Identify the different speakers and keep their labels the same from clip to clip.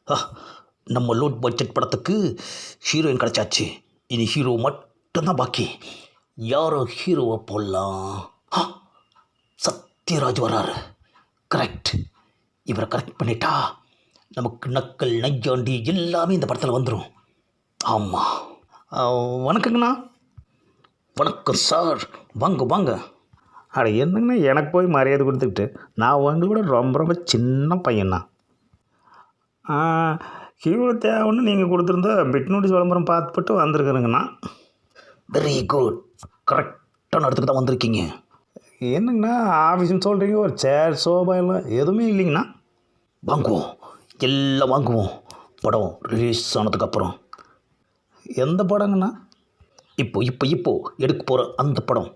Speaker 1: ஆ, நம்ம low budget படத்துக்கு heroine கிடச்சாச்சு. இனி ஹீரோ மட்டும்தான் பாக்கி. யாரோ ஹீரோவை போடலாம். ஆ, சத்யராஜ் வராரு. கரெக்ட். இவரை கரெக்ட் பண்ணிட்டா நமக்கு நக்கல் நையாண்டி எல்லாமே இந்த படத்தில் வந்துடும். ஆமாம். வணக்கங்கண்ணா. வணக்கம் சார். வாங்க வாங்க.
Speaker 2: அட என்னங்கண்ணா எனக்கு போய் மரியாதை கொடுத்துக்கிட்டு, நான் உங்களோட ரொம்ப ரொம்ப சின்ன பையன்ண்ணா. ஹீரோ தேவைன்னு நீங்கள் கொடுத்துருந்த பிட் நோட்டீஸ் விளம்பரம் பார்த்துப்பட்டு வந்திருக்குறேங்கண்ணா.
Speaker 1: Very good. கரெக்டான இடத்துக்கு தான் வந்திருக்கீங்க.
Speaker 2: என்னங்கண்ணா ஆஃபீஸ்னு சொல்கிறீங்க, ஒரு சேர் சோபா எல்லாம் எதுவுமே இல்லைங்கண்ணா.
Speaker 1: வாங்குவோம், எல்லாம் வாங்குவோம். படம் ரிலீஸ் ஆனதுக்கப்புறம்.
Speaker 2: எந்த படங்கண்ணா?
Speaker 1: இப்போ எடுக்க போகிற அந்த படம்.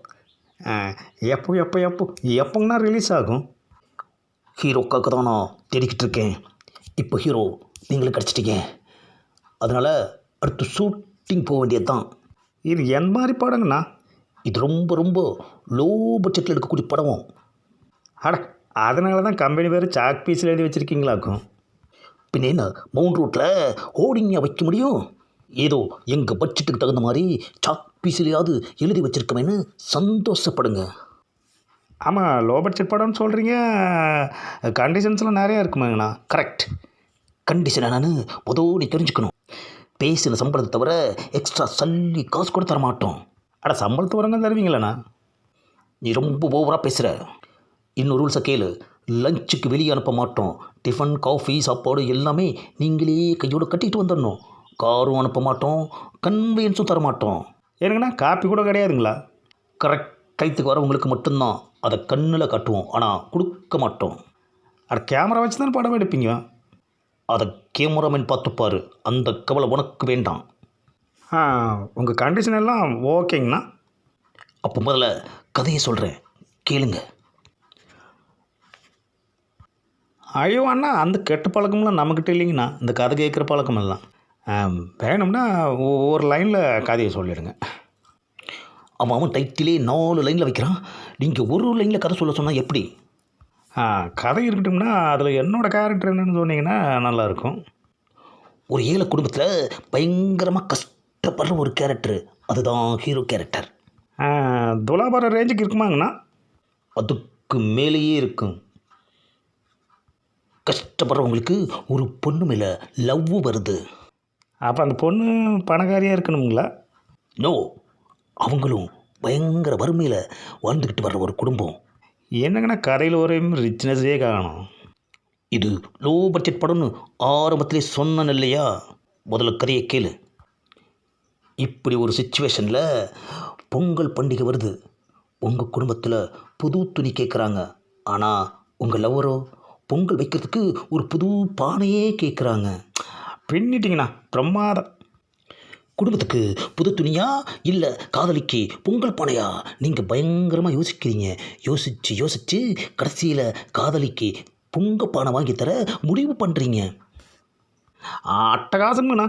Speaker 2: எப்போங்கண்ணா ரிலீஸ் ஆகும்?
Speaker 1: ஹீரோக்காக தான் நான் தேடிக்கிட்டு இருக்கேன். இப்போ ஹீரோ நீங்களும் கிடச்சிட்டீங்க. அதனால் அடுத்து ஷூட்டிங் போக வேண்டியது தான்.
Speaker 2: இது என் மாதிரி படங்கண்ணா?
Speaker 1: இது ரொம்ப ரொம்ப லோ பட்ஜெட்டில் எடுக்கக்கூடிய படம்.
Speaker 2: அட அதனால தான் கம்பெனி பேர் சாக் பீஸில் எழுதி வச்சுருக்கீங்களாக்கும்.
Speaker 1: பின்ன என்ன மவுண்ட் ரோட்டில் ஹோர்டிங்காக வைக்க முடியும்? ஏதோ எங்கள் பட்ஜெட்டுக்கு தகுந்த மாதிரி சாக் பீஸ்லையாவது எழுதி வச்சுருக்கமேன்னு சந்தோஷப்படுங்க.
Speaker 2: ஆமாம், லோ பட்ஜெட் படம்னு சொல்கிறீங்க, கண்டிஷன்ஸ்லாம் நிறையா இருக்குமாங்கண்ணா?
Speaker 1: கரெக்ட். கண்டிஷன் என்னன்னு நீ தெரிஞ்சுக்கணும். பேசின சம்பளத்தை தவிர எக்ஸ்ட்ரா சல்லி காசு கூட தர மாட்டோம்.
Speaker 2: அட சம்பளத்து வரங்க தருவீங்களண்ணா?
Speaker 1: நீ ரொம்ப ஓவராக பேசுகிற. இன்னொரு ரூல்ஸை கேளு. லஞ்சுக்கு வெளியே அனுப்ப மாட்டோம். டிஃபன் காஃபி சாப்பாடு எல்லாமே நீங்களே கையோடு கட்டிட்டு வந்துடணும். காரும் அனுப்ப மாட்டோம், கன்வீனியன்ஸும் தர மாட்டோம்.
Speaker 2: எனக்குண்ணா காப்பி கூட கிடையாதுங்களா?
Speaker 1: கரெக்ட். கைத்துக்கு வரவங்களுக்கு மட்டும்தான் அதை கண்ணில் காட்டுவோம், ஆனால் கொடுக்க மாட்டோம்.
Speaker 2: அட கேமரா வச்சு தானே படம் எடுப்பீங்க?
Speaker 1: அதை கேமராமேன் பார்த்துப்பார். அந்த கவலை உனக்கு வேண்டாம்.
Speaker 2: உங்கள் கண்டிஷன் எல்லாம் ஓகேங்கண்ணா.
Speaker 1: அப்போ முதல்ல கதையை சொல்கிறேன், கேளுங்க.
Speaker 2: ஐயோ அண்ணா, அந்த கெட்ட பழக்கம்லாம் நம்மக்கிட்ட இல்லைங்கண்ணா. இந்த கதை கேட்குற பழக்கமெல்லாம் வேணும்னா ஒரு லைனில் கதையை சொல்லிடுங்க.
Speaker 1: அவன் டைட்டிலே 4 லைனில் வைக்கிறான். நீங்கள் ஒரு லைனில் கதை சொல்ல சொன்னால் எப்படி?
Speaker 2: கதை இருக்கட்டும்னா அதில் என்னோடய கேரக்டர் என்னன்னு சொன்னீங்கன்னா நல்லாயிருக்கும்.
Speaker 1: ஒரு ஏழை குடும்பத்தில் பயங்கரமாக கஷ்டப்படுற ஒரு கேரக்டர், அதுதான் ஹீரோ கேரக்டர்.
Speaker 2: துலாபார ரேஞ்சுக்கு இருக்குமாங்கண்ணா?
Speaker 1: அதுக்கு மேலேயே இருக்கும். கஷ்டப்படுறவங்களுக்கு ஒரு பொண்ணு மேலே லவ் வருது.
Speaker 2: அப்போ அந்த பொண்ணு பணக்காரியாக இருக்கணுங்களா?
Speaker 1: நோ, அவங்களும் பயங்கர வறுமையில் வாழ்ந்துக்கிட்டு வர்ற ஒரு குடும்பம்.
Speaker 2: என்னங்கண்ணா கதையில் ஒரு ரிச்னஸே காணும்.
Speaker 1: இது லோ பட்ஜெட் படம்னு ஆரம்பத்திலே சொன்னேன் இல்லையா? முதல்ல கதையை கேளு. இப்படி ஒரு சுச்சுவேஷனில் பொங்கல் பண்டிகை வருது. உங்கள் குடும்பத்தில் புது துணி கேட்குறாங்க. ஆனால் உங்கள் லவ்வரோ பொங்கல் வைக்கிறதுக்கு ஒரு புது பானையே கேட்குறாங்க.
Speaker 2: பின்னிட்டிங்கண்ணா, பிரமாதம்.
Speaker 1: குடும்பத்துக்கு புது துணியா இல்லை காதலிக்கு பொங்கல் பானையா? நீங்கள் பயங்கரமாக யோசிக்கிறீங்க. யோசித்து கடைசியில் காதலிக்கு பொங்கல் பானை வாங்கி தர முடிவு பண்ணுறீங்க.
Speaker 2: அட்டகாசங்கண்ணா.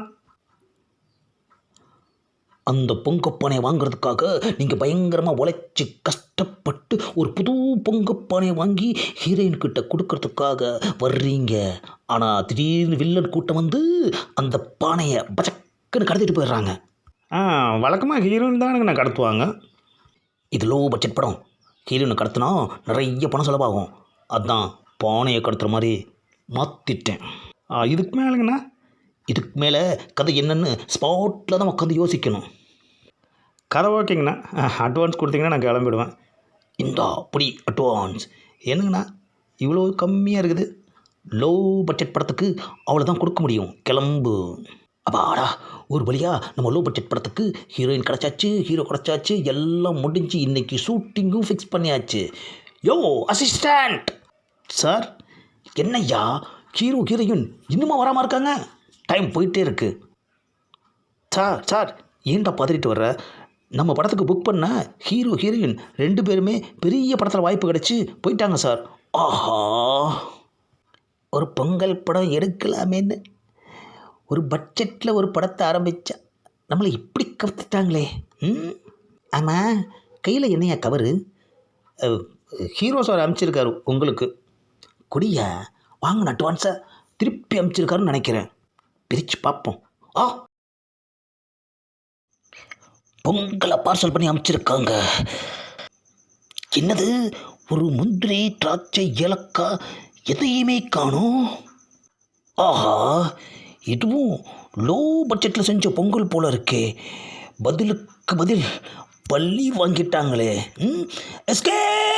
Speaker 1: அந்த பொங்கப்பானையை வாங்குறதுக்காக நீங்கள் பயங்கரமாக உழைச்சி கஷ்டப்பட்டு ஒரு புது பொங்கப்பானையை வாங்கி ஹீரோயின்கிட்ட கொடுக்கறதுக்காக வர்றீங்க. ஆனால் திடீர்னு வில்லன் கூட்டம் வந்து அந்த பானையை பச்சக்குன்னு கடத்திட்டு போயிடுறாங்க.
Speaker 2: வழக்கமாக ஹீரோயின் தானுங்கண்ணா கடத்துவாங்க.
Speaker 1: இது லோ பட்ஜெட் படம். ஹீரோயினை கடத்தினா நிறைய பணம் செலவாகும். அதுதான் பானையை கடத்துகிற மாதிரி மாற்றிட்டேன்.
Speaker 2: இதுக்கு மேலேங்கண்ணா?
Speaker 1: இதுக்கு மேலே கதை என்னென்னு ஸ்பாட்டில் தான் உட்காந்து யோசிக்கணும்.
Speaker 2: கதை ஓகேங்கண்ணா, அட்வான்ஸ் கொடுத்தீங்கன்னா நான் கிளம்பிடுவேன்.
Speaker 1: இந்தா அப்படி அட்வான்ஸ்.
Speaker 2: என்னங்கண்ணா இவ்வளோ கம்மியாக இருக்குது?
Speaker 1: லோ பட்ஜெட் படத்துக்கு அவ்வளோதான் கொடுக்க முடியும். கிளம்பு. அப்பாடா, ஒரு வழியாக நம்ம லோ பட்ஜெட் படத்துக்கு ஹீரோயின் கிடச்சாச்சு, ஹீரோ கிடச்சாச்சு, எல்லாம் முடிஞ்சு இன்றைக்கி ஷூட்டிங்கும் ஃபிக்ஸ் பண்ணியாச்சு. யோ அசிஸ்டண்ட்
Speaker 2: சார்.
Speaker 1: என்னய்யா ஹீரோயின் இன்னுமா வராமல் இருக்காங்க? டைம் போயிட்டே இருக்கு. சார் ஏன்டா பதறிட்டு வர்ற? நம்ம படத்துக்கு புக் பண்ண ஹீரோயின் 2 பேருமே பெரிய படத்தில் வாய்ப்பு கிடச்சி போயிட்டாங்க சார். ஆஹா, ஒரு பொங்கல் படம் எடுக்கலாமேன்னு ஒரு பட்ஜெட்டில் ஒரு படத்தை ஆரம்பித்தா நம்மளை இப்படி கவுத்துட்டாங்களே. ஆமாம், கையில் என்னையா கவரு?
Speaker 2: ஹீரோ சார் அனுப்பிச்சிருக்காரு உங்களுக்கு.
Speaker 1: கொடியா வாங்கின அட்வான்ஸை திருப்பி அனுப்பிச்சிருக்காருன்னு நினைக்கிறேன். பிரித்து பார்ப்போம். ஆ, பொங்கலை பார்சல் பண்ணி அமைச்சிருக்காங்க. என்னது, ஒரு முந்திரி, திராட்சை, ஏலக்காய் எதையுமே காணோம். ஆஹா, இதுவும் லோ பட்ஜெட்டில் செஞ்ச பொங்கல் போல இருக்கே. பதிலுக்கு பதில் பள்ளி வாங்கிட்டாங்களே. எஸ்கே